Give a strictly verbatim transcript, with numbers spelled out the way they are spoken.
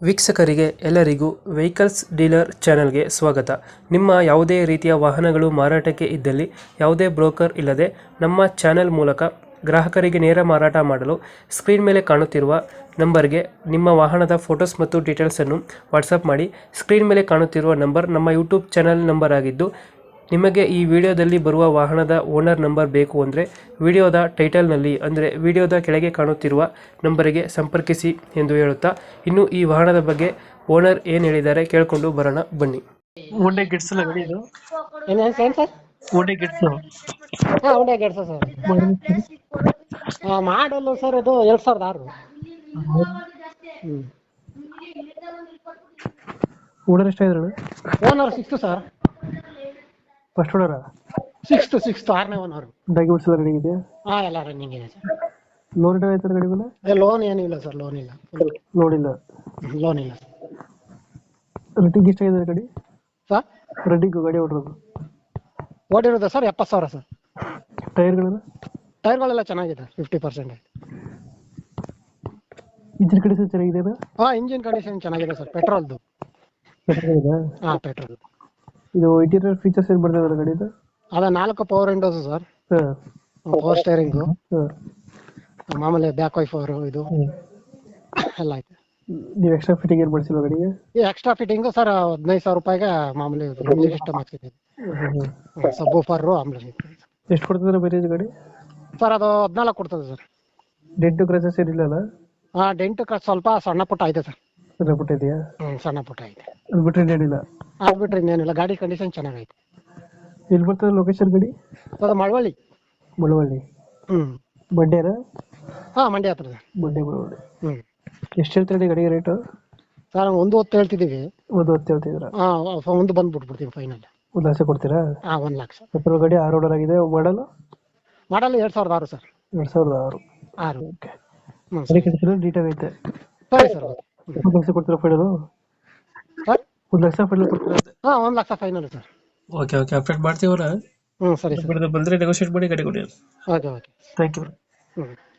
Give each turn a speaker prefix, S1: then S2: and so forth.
S1: ವೀಕ್ಷಕರಿಗೆ ಎಲ್ಲರಿಗೂ vehicles dealer ಚಾನೆಲ್ಗೆ ಸ್ವಾಗತ. ನಿಮ್ಮ ಯಾವುದೇ ರೀತಿಯ ವಾಹನಗಳು ಮಾರಾಟಕ್ಕೆ ಇದ್ದಲ್ಲಿ ಯಾವುದೇ ಬ್ರೋಕರ್ ಇಲ್ಲದೆ ನಮ್ಮ ಚಾನೆಲ್ ಮೂಲಕ ಗ್ರಾಹಕರಿಗೆ ನೇರ ಮಾರಾಟ ಮಾಡಲು ಸ್ಕ್ರೀನ್ ಮೇಲೆ ಕಾಣುತ್ತಿರುವ ನಂಬರ್ಗೆ ನಿಮ್ಮ ವಾಹನದ ಫೋಟೋಸ್ ಮತ್ತು ಡೀಟೇಲ್ಸನ್ನು ವಾಟ್ಸಪ್ ಮಾಡಿ. ಸ್ಕ್ರೀನ್ ಮೇಲೆ ಕಾಣುತ್ತಿರುವ ನಂಬರ್ ನಮ್ಮ ಯೂಟ್ಯೂಬ್ ಚಾನೆಲ್ ನಂಬರ್ ಆಗಿದ್ದು, ನಿಮಗೆ ಈ ವಿಡಿಯೋದಲ್ಲಿ ಬರುವ ವಾಹನದ ಓನರ್ ನಂಬರ್ ಬೇಕು ಅಂದರೆ ವಿಡಿಯೋದ ಟೈಟಲ್ನಲ್ಲಿ ಅಂದರೆ ವಿಡಿಯೋದ ಕೆಳಗೆ ಕಾಣುತ್ತಿರುವ ನಂಬರಿಗೆ ಸಂಪರ್ಕಿಸಿ ಎಂದು ಹೇಳುತ್ತಾ, ಇನ್ನು ಈ ವಾಹನದ ಬಗ್ಗೆ ಓನರ್ ಏನು ಹೇಳಿದ್ದಾರೆ ಕೇಳಿಕೊಂಡು ಬರೋಣ ಬನ್ನಿ. ಒಳ್ಳೆ ಗಿಡ್ಸ್ ಅಲ್ಲ ಗಾಡಿ ಇದು?
S2: ಏನೇನು ಸರ್?
S1: ಒಳ್ಳೆ ಗಿಡ್ಸ್
S2: ಹಾಂ ಒಂದೇ ಗೆಡ್ಸ ಸರ್. ಹಾಂ ಮಾಡಲ್ಲ ಸರ್, ಅದು ಎರಡು ಸಾವಿರದ ಆರು. ಹ್ಞೂ
S1: ಓನರ್ ಎಷ್ಟಾಗಿದ್ರು?
S2: Owner sixth sir.
S1: First owner?
S2: Sixth sixth ಆರನೇ ಓನರು.
S1: ಡಾಕ್ಯುಮೆಂಟ್ಸ್ ಎಲ್ಲ ರನ್ನಿಂಗ್ ಇದೆಯಾ?
S2: ಹಾಂ ಎಲ್ಲ ರನ್ನಿಂಗ್ ಇದೆ ಸರ್.
S1: ಲೋನ್ ಇಟ್ಟು ಆಯ್ತಾರೆ ಗಾಡಿ ಮೇಲೆ?
S2: ಲೋನ್ ಏನಿಲ್ಲ ಸರ್, ಲೋನ್ ಇಲ್ಲ.
S1: ಲೋನ್ ಇಲ್ಲ?
S2: ಲೋನ್ ಇಲ್ಲ
S1: ರೇಟಿಂಗ್ ಎಷ್ಟಾಗಿದೆ ಗಾಡಿ?
S2: ಸರ್.
S1: ರೆಡ್ಡಿಂಗು ಗಾಡಿ ಹೊಡ್ರೋದು
S2: ಓಡಿರೋದು ಸರ್ ಎಪ್ಪತ್ತು ಸಾವಿರ ಸರ್.
S1: ಟೈರ್ಗಳೆಲ್ಲ?
S2: ಟೈರ್ಗಳೆಲ್ಲ ಚೆನ್ನಾಗಿದೆ, ಫಿಫ್ಟಿ ಪರ್ಸೆಂಟ್ ಆಯ್ತು.
S1: ಇಂಜಿನ್ ಕಂಡೀಷನ್ ಚೆನ್ನಾಗಿದೆ?
S2: ಹಾಂ ಇಂಜಿನ್ ಕಂಡೀಷನ್ ಚೆನ್ನಾಗಿದೆ ಸರ್, ಪೆಟ್ರೋಲ್ದು. ಹಾಂ ಪೆಟ್ರೋಲ್.
S1: ಇದು ಇಂಟೀರಿಯರ್ ಫೀಚರ್ಸ್ ಏನು ಬರ್ತದೆ ಗಾಡಿದು?
S2: ಅದ ನಾಲ್ಕು ಪವರ್ ವಿಂಡೋಸ್ ಸರ್,
S1: ಹಾಂ
S2: ಪವರ್ ಸ್ಟೇರಿಂಗು,
S1: ಹಾಂ
S2: ಮಾಮೂಲಿ ಬ್ಯಾಕ್ ವೈಫರು ಇದು ಎಲ್ಲ ಐತೆ.
S1: ನೀವು ಎಕ್ಸ್ಟ್ರಾ ಫಿಟ್ಟಿಂಗ್ ಏನು ಮಾಡಿಸಿಲ್ವ ಗಾಡಿಗೆ?
S2: ಈ ಎಕ್ಸ್ಟ್ರಾ ಫಿಟ್ಟಿಂಗು ಸರ್ ಹದಿನೈದು ಸಾವಿರ ರೂಪಾಯಿಗೆ ಮಾಮೂಲಿ ಮ್ಯೂಸಿಕ್ ಸಿಸ್ಟಮ್ ಹಾಕ್ಸಿದ್ದೀವಿ. ಸಬ್ ಊಫರು ಆಮ್ಲೆ.
S1: ಎಷ್ಟು ಕೊಡ್ತದೆ ಮೈಲೇಜ್ ಗಾಡಿ
S2: ಸರ್? ಅದು ಹದಿನಾಲ್ಕು ಕೊಡ್ತದೆ ಸರ್.
S1: ಡೆಂಟು ಕ್ರಚಸ್ ಏನಿಲ್ಲ?
S2: ಹಾಂ ಡೆಂಟ್ ಸ್ವಲ್ಪ ಸಣ್ಣ ಪುಟ್ಟ ಇದೆ ಸರ್.
S1: ಸಣ್ಣ ಪುಟ್ಟ ಇದೆಯಾ?
S2: ಹ್ಞೂ ಸಣ್ಣ ಪುಟ್ಟ ಇದೆ,
S1: ಅದು ಬಿಟ್ಟರೆ ಏನಿಲ್ಲ?
S2: ಆಗ್ಬಿಟ್ರೆ ಇನ್ನೇನಿಲ್ಲ. ಗಾಡಿ ಕಂಡೀಷನ್ ಚೆನ್ನಾಗೈತೆ.
S1: ಎಲ್ಲಿ ಬರ್ತದೆ ಲೊಕೇಶನ್ ಗಾಡಿ?
S2: ಅದು ಮಳವಳ್ಳಿ.
S1: ಮುಳವಳ್ಳಿ?
S2: ಹ್ಞೂ
S1: ಮಂಡ್ಯನ?
S2: ಹಾಂ ಮಂಡ್ಯ ಹತ್ರ ಸರ್.
S1: ಮಂಡ್ಯ ಮುಳವಳ್ಳಿ.
S2: ಹ್ಞೂ
S1: ಎಷ್ಟು ಹೇಳ್ತೀರಿ ಗಾಡಿಗೆ ರೇಟು?
S2: ಸರ್ ಒಂದು ಹೊತ್ತು ಹೇಳ್ತಿದ್ದೀವಿ.
S1: ಒಂದು ಹೊತ್ತು ಹೇಳ್ತಿದ್ದೀರಾ?
S2: ಹಾಂ ಒಂದು ಬಂದು ಬಿಟ್ಬಿಡ್ತೀವಿ ಫೈನಲ್.
S1: ಒಂದು ಲಕ್ಷ ಕೊಡ್ತೀರಾ?
S2: ಹಾಂ ಒಂದು ಲಕ್ಷ.
S1: ಪೆಟ್ರೋಲ್ ಗಾಡಿ ಆರು ಓಡರ್ ಆಗಿದೆ. ಮಾಡಲು?
S2: ಮಾಡಲ್ಲ ಎರಡು ಸಾವಿರದ ಆರು ಸರ್.
S1: ಎರಡು ಸಾವಿರದ ಆರು.
S2: ಆರು.
S1: ಓಕೆ.
S2: ಹ್ಞೂ
S1: ಅದಕ್ಕೆ ಡೀಟೇಲ್ ಐತೆ.
S2: ಸರಿ ಸರ್.
S1: ಒಂದು ಲಕ್ಷ ಕೊಡ್ತೀರಾ ಫೈನಲು?
S2: ಸರ್
S1: ಒಂದು ಲಕ್ಷ ಫೈನಲ್ ಕೊಡ್ತೀರಾ?
S2: ಹಾಂ ಒಂದು lakh final sir.
S1: Okay okay update ಮಾಡ್ತೀವಲ್ಲ.
S2: ಹ್ಞೂ ಸರಿ ಸರ್.
S1: ಬಂದರೆ ನೆಗೋಷಿಯೇಟ್ ಮಾಡಿ ಗಾಡಿ ಕೊಡಿ.
S2: Okay okay
S1: thank you.
S2: ಹ್ಞೂ